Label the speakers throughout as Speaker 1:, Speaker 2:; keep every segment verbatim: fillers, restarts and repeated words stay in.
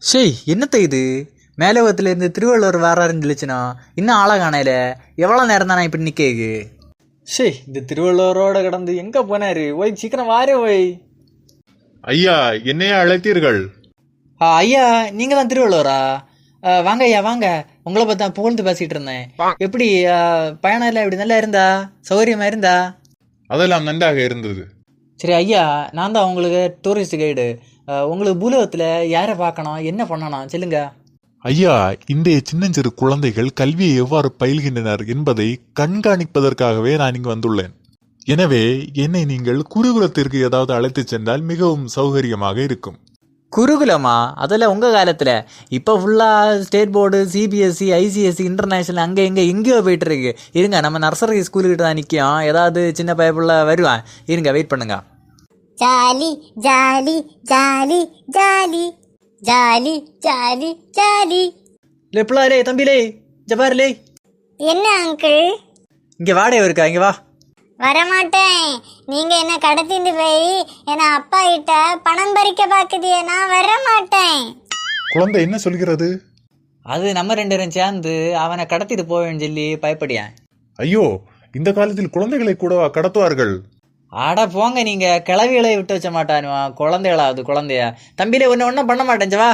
Speaker 1: ஷேய் என்னத்த இது மேலோகத்திலேருந்து திருவள்ளுவர் வராருன்னு சொல்லிச்சுனா இன்னும் ஆளை காணையில எவ்வளோ நேரம் தானே இப்படி நிற்கேக்கு. ஷேய் இந்த திருவள்ளுவரோட கிடந்து எங்கே போனாரு? ஓய் சீக்கிரம் வாரே ஓய்.
Speaker 2: ஐயா, என்னையா அழைத்தீர்கள்?
Speaker 1: ஆ ஐயா, நீங்கள் தான் திருவள்ளுவரா? வாங்க ஐயா வாங்க, உங்களை பார்த்தா புகழ்ந்து பேசிகிட்டு இருந்தேன். எப்படி பயணம் எல்லாம் இப்படி நல்லா இருந்தா? சௌகரியமா இருந்தா?
Speaker 2: அதெல்லாம் நன்றாக இருந்தது.
Speaker 1: சரி ஐயா, நான் தான் உங்களுக்கு டூரிஸ்ட் கைடு. உங்களுக்கு பூலோகத்தில் யாரை பார்க்கணும், என்ன பண்ணணும் சொல்லுங்க.
Speaker 2: ஐயா, இன்றைய சின்னஞ்சிறு குழந்தைகள் கல்வியை எவ்வாறு பயில்கின்றனர் என்பதை கண்காணிப்பதற்காகவே நான் இங்கு வந்துள்ளேன். எனவே என்னை நீங்கள் குருகுலத்திற்கு ஏதாவது அழைத்து சென்றால் மிகவும் சௌகரியமாக இருக்கும்.
Speaker 1: குருகுலமா? அதெல்லாம் உங்கள் காலத்தில். இப்போ ஃபுல்லாக state board, CBSE, ICSE, international அங்கே இங்கே எங்கேயோ போயிட்டு இருக்கு. இருங்க, நம்ம நர்சரி ஸ்கூலுக்கிட்ட தான் நிற்கும். ஏதாவது சின்ன பயப்புள்ள வருவான். இருங்க, வெயிட் பண்ணுங்க.
Speaker 3: Jolly jolly jolly jolly jolly jolly jolly.
Speaker 1: லே பிள்ளாரே, தம்பிலே, ஜபாரிலே.
Speaker 3: என்ன அங்கிள்?
Speaker 1: இங்கே வாடகை இருக்கா? இங்கே வா.
Speaker 3: வரமாட்டேன். நீங்க என்ன கடத்திட்டு போய் என்ன அப்பா கிட்ட பணம் பறிக்க பாக்குதியே, நான் வரமாட்டேன்.
Speaker 2: குழந்தை என்ன சொல்கிறது?
Speaker 1: அது நம்ம ரெண்டு பேரும் சேர்ந்து அவனை கடத்திட்டு போவேன்னு சொல்லி பயப்படியான்.
Speaker 2: ஐயோ, இந்த காலத்தில் குழந்தைகளை கூட கடத்துவார்கள்?
Speaker 1: ஆட போங்க, நீங்க கிளவிகளை விட்டு வச்ச மாட்டானுவா. குழந்தைகளாவது குழந்தையா? தம்பியில ஒன்னு ஒன்னும் பண்ண மாட்டேன். வா.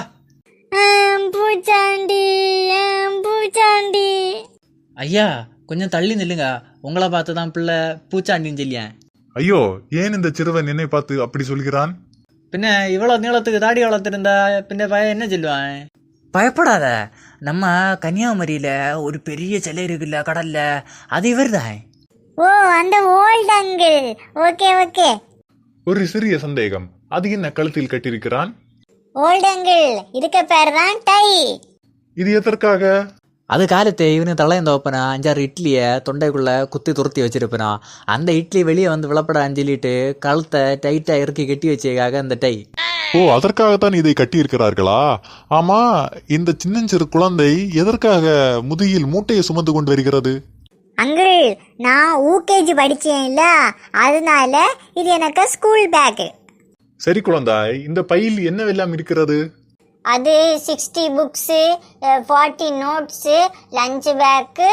Speaker 3: பூச்சாண்டி பூச்சாண்டி.
Speaker 1: ஐயா கொஞ்சம் தள்ளி நில்லுங்க. உங்களை பார்த்து தான் பிள்ளை பூச்சாண்டின்னு சொல்லியேன்.
Speaker 2: ஐயோ, ஏன் இந்த சிறுவன் என்னை பார்த்து அப்படி சொல்கிறான்?
Speaker 1: பின்ன இவ்வளவு நீளத்துக்கு தாடி வளர்த்துருந்தா பின்ன பையன் என்ன சொல்லுவான்? பயப்படாத, நம்ம கன்னியாகுமரியில ஒரு பெரிய சிலை இருக்குல்ல கடல்ல, அது இவர் தான்.
Speaker 3: ஓ, அந்த ஓல்ட் அங்கிள். Okay okay.
Speaker 2: ஒரு சிறிய சந்தேகம், அது என்ன கழுத்தில் கட்டியிருக்கிறான்?
Speaker 3: ஓல்ட் அங்கிள், இதுக்கு பேர் தான் டை.
Speaker 2: இது எதற்காக?
Speaker 1: அது காலத்து இவனு தலையந்த வைப்பனா அஞ்சாறு இட்லியை தொண்டைக்குள்ள குத்தி துருத்தி வச்சிருப்பனா. அந்த இட்லி வெளியே வந்து விளப்பட அஞ்சலிட்டு கழுத்தை டைட்டா இறுக்கி கட்டி வச்சதுக்காக அந்த டை.
Speaker 2: ஓ, அதற்காகத்தான் இதை கட்டி இருக்கிறார்களா? ஆமா, இந்த சின்னஞ்சிறு குழந்தை எதற்காக முதுகில் மூட்டையை சுமந்து கொண்டு வருகிறது?
Speaker 3: அங்கிள், நான் யூகேஜி படிச்சேன்ல, அதனால இது எனக்கு ஸ்கூல் பேக்.
Speaker 2: சரி குழந்தாய், இந்த பையில் என்னவெல்லாம் இருக்கிறது?
Speaker 3: அது sixty books, forty notes, lunch bag,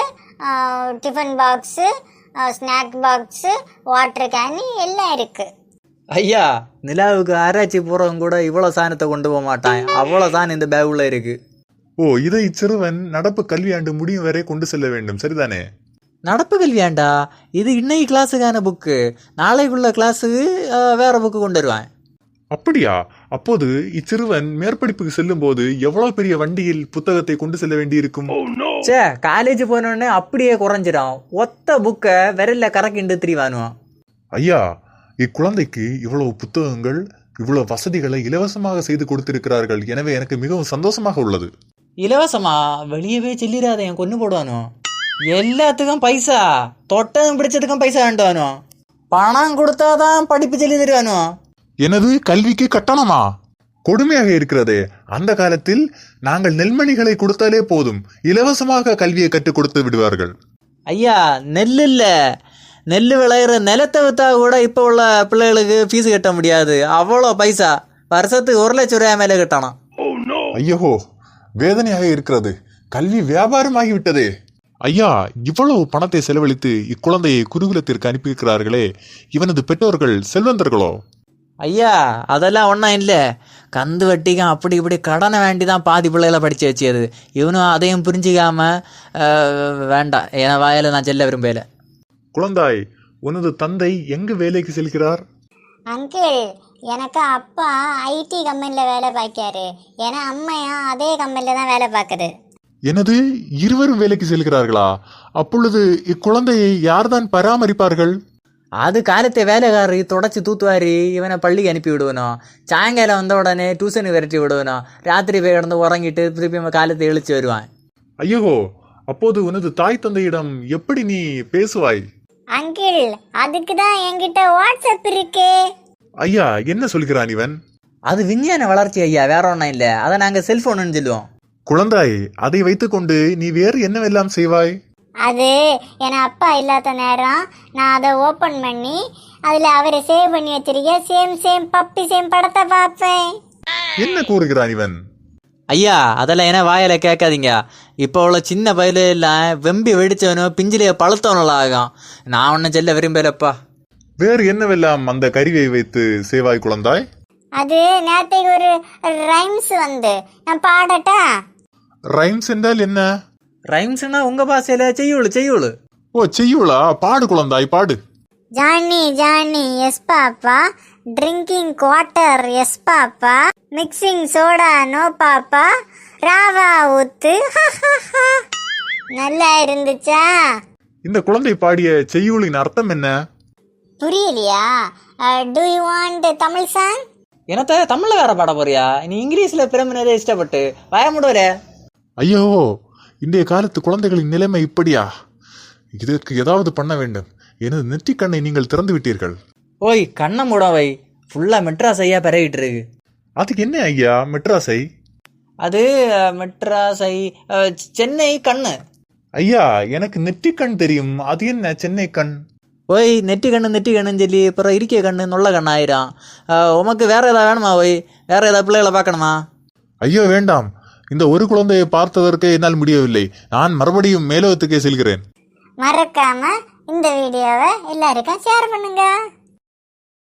Speaker 3: tiffin box, snack box, water can எல்லாம் இருக்கு.
Speaker 1: ஐயா, நிலாவுக்கு ஆராய்ச்சி போறவங்க கூட இவ்வளவு சாணத்தை கொண்டு போக மாட்டான். அவ்வளவு சாணம் இந்த பேக் உள்ள இருக்கு.
Speaker 2: ஓ, இதை சிறுவன் நடப்பு கல்வியாண்டு முடியும் வரை கொண்டு செல்ல வேண்டும், சரிதானே?
Speaker 1: நடப்பு கல்வியாண்டா? இது இன்னைக்கு கிளாஸுக்கான புக்கு. நாளைக்குள்ள கிளாஸுக்கு வேற புக்கு கொண்டு வருவேன்.
Speaker 2: அப்படியா? அப்போது இச்சிறுவன் மேற்படிப்புக்கு செல்லும் போது எவ்வளவு பெரிய வண்டியில் புத்தகத்தை கொண்டு செல்ல வேண்டி இருக்கும்?
Speaker 1: சே, காலேஜ் போனோடனே அப்படியே குறைஞ்சிடும். ஒத்த புக்கை விரல்ல கறக்கிண்டு திரிவானுவான்.
Speaker 2: ஐயா, இக்குழந்தைக்கு இவ்வளவு புத்தகங்கள், இவ்வளவு வசதிகளை இலவசமாக செய்து கொடுத்திருக்கிறார்கள். எனவே எனக்கு மிகவும் சந்தோஷமாக உள்ளது.
Speaker 1: இலவசமா? வெளியவே செல்லிடாத, என் கொண்டு போடுவானோ. எல்லாத்துக்கும் பைசா, தொட்டதும் பிடிச்சதுக்கும் பைசா வேண்டுவானோ. பணம் கொடுத்தாதான் படிப்பு சொல்லி தருவானோ.
Speaker 2: எனது கல்விக்கு கட்டணமா? கொடுமையாக இருக்கிறதே. அந்த காலத்தில் நாங்கள் நெல்மணிகளை கொடுத்தாலே போதும், இலவசமாக கல்வியை கற்றுக் கொடுத்து விடுவார்கள்.
Speaker 1: ஐயா, நெல் இல்ல, நெல் விளையிற நிலத்தை வித்தா கூட இப்போ உள்ள பிள்ளைகளுக்கு ஃபீஸ் கட்ட முடியாது. அவ்வளோ பைசா, வருஷத்துக்கு ஒரு லட்சம் ரூபாய் மேலே கட்டணும்.
Speaker 2: ஐயோ, வேதனையாக இருக்கிறது. கல்வி வியாபாரமாகிவிட்டதே. ஐயா, இவ்வளவு பணத்தை செலவழித்து இக்குழந்தையை குருகுலத்திற்கு அனுப்பியிருக்கிறார்களே, இவனது பெற்றோர்கள் செல்வந்தர்களோ?
Speaker 1: ஐயா, அதெல்லாம் ஒன்றும் இல்லை. கந்து வட்டிக்கும் அப்படி இப்படி கடனை வேண்டி தான் பாதி பிள்ளைகளை படித்து வச்சது. இவனும் அதையும் புரிஞ்சிக்காம வேண்டாம், என் வாயில நான் செல்ல விரும்பல.
Speaker 2: குழந்தாய், உனது தந்தை எங்கு வேலைக்கு செல்கிறார்?
Speaker 3: அங்கிள், எனக்கு அப்பா ஐடி கம்பெனியில் வேலை பார்க்காரு. ஏன்னா அம்மையா அதே கம்பெனியில் தான் வேலை பார்க்குது.
Speaker 2: எனது இருவரும் வேலைக்கு செல்கிறார்களா? அப்பொழுது இக்குழந்தையை யார்தான் பராமரிப்பார்கள்?
Speaker 1: அது காலத்தை வேலைக்காரி தொடச்சி தூத்துவாரி இவனை பள்ளிக்கு அனுப்பி விடுவனும். சாயங்காலம் வந்த உடனே டியூஷனுக்கு விரட்டி விடுவனும். ராத்திரி போய் கிடந்து உறங்கிட்டு திருப்பி காலத்தை இழிச்சு வருவான்.
Speaker 2: ஐயோ, அப்போது உனது தாய் தந்தையிடம் எப்படி நீ பேசுவாய்?
Speaker 3: அங்கிள், அதுக்கு தான் என்கிட்ட வாட்ஸ்அப் இருக்கு.
Speaker 2: ஐயா, என்ன சொல்கிறான் இவன்?
Speaker 1: அது விஞ்ஞான வளர்ச்சி ஐயா, வேற ஒன்றும் இல்லை. அதை நாங்கள் செல்போன்னு சொல்லுவோம்.
Speaker 2: குழந்தாய், அதை வைத்துக்கொண்டு நீ வேறு என்னவெல்லாம் செய்வாய்?
Speaker 3: அது என் அப்பா இல்லாத நேரம் நான் அதை ஓப்பன் பண்ணி அதில் அவரை சேவ் பண்ணி வச்சிருக்கேன். சேம் சேம் பப்பி சேம் படத்தை பார்ப்பேன்.
Speaker 2: என்ன கூறுகிறான் இவன்?
Speaker 1: ஐயா அதெல்லாம் என்ன வாயில கேட்காதீங்க. இப்போ உள்ள சின்ன பயில எல்லாம் வெம்பி வெடிச்சவனோ பிஞ்சிலேயே பழுத்தவனெல்லாம் ஆகும். நான் ஒன்றும் செல்ல விரும்பலப்பா.
Speaker 2: வேறு என்னவெல்லாம் அந்த கருவியை வைத்து சேவாய் குழந்தாய்?
Speaker 3: அது நேத்தைக்கு ஒரு ரைம்ஸ் வந்து நான் பாடட்டா?
Speaker 2: ரைம்ஸ் என்றால் என்ன?
Speaker 1: ரைம்ஸ்னா உங்க பாசையில செய்யுளு செய்யுளு.
Speaker 2: ஓ செய்யுளா? பாடு குழந்தாய் பாடு.
Speaker 3: Johnny Johnny yes papa, drinking quarter yes papa, mixing soda no papa, ராவா ஊத்து. நல்லா இருந்துச்சா?
Speaker 2: இந்த குழந்தை பாடிய செய்யுளின் அர்த்தம் என்ன?
Speaker 3: புரியலையா? Do you want Tamil song?
Speaker 1: என்னத்த தமிழ்ல வேற பாட போறியா? நீ இங்கிலீஷ்ல பிரமினரே இஷ்டப்பட்டு வாய முடுவல.
Speaker 2: ஐயோ, இன்றைய காலத்து குழந்தைகளின் நிலைமை இப்படியா? இதற்கு ஏதாவது பண்ண வேண்டும். எனது நெற்றிக் கண்ணை நீங்கள் திறந்து விட்டீர்கள்.
Speaker 1: ஓய் கண்ணை மூடவை. ஃபுல்லா மெட்ராஸ் ஐயா பெறவிட்டு இருக்கு.
Speaker 2: அதுக்கு என்ன ஐயா மெட்ராஸை?
Speaker 1: அது மெட்ராஸ் ஐ சென்னை கண்ணு.
Speaker 2: ஐயா எனக்கு நெற்றிக் கண் தெரியும், அது என்ன சென்னை கண்?
Speaker 1: ஓய் நெட்டி கண்ணு நெட்டி கண்ணுன்னு சொல்லி அப்புறம் இருக்கிய கண்ணு நொல்ல கண்ணு ஆயிரும். உமக்கு வேற ஏதாவது வேணுமா? ஓய் வேற ஏதாவது பிள்ளைகளை பார்க்கணுமா?
Speaker 2: ஐயோ வேண்டாம், இந்த ஒரு குழந்தையை பார்த்ததற்கு என்னால் முடியவில்லை. நான் மறுபடியும் மேலோகத்துக்கே செல்கிறேன்.
Speaker 3: மறக்காம இந்த வீடியோவை எல்லாருக்கும் ஷேர் பண்ணுங்க.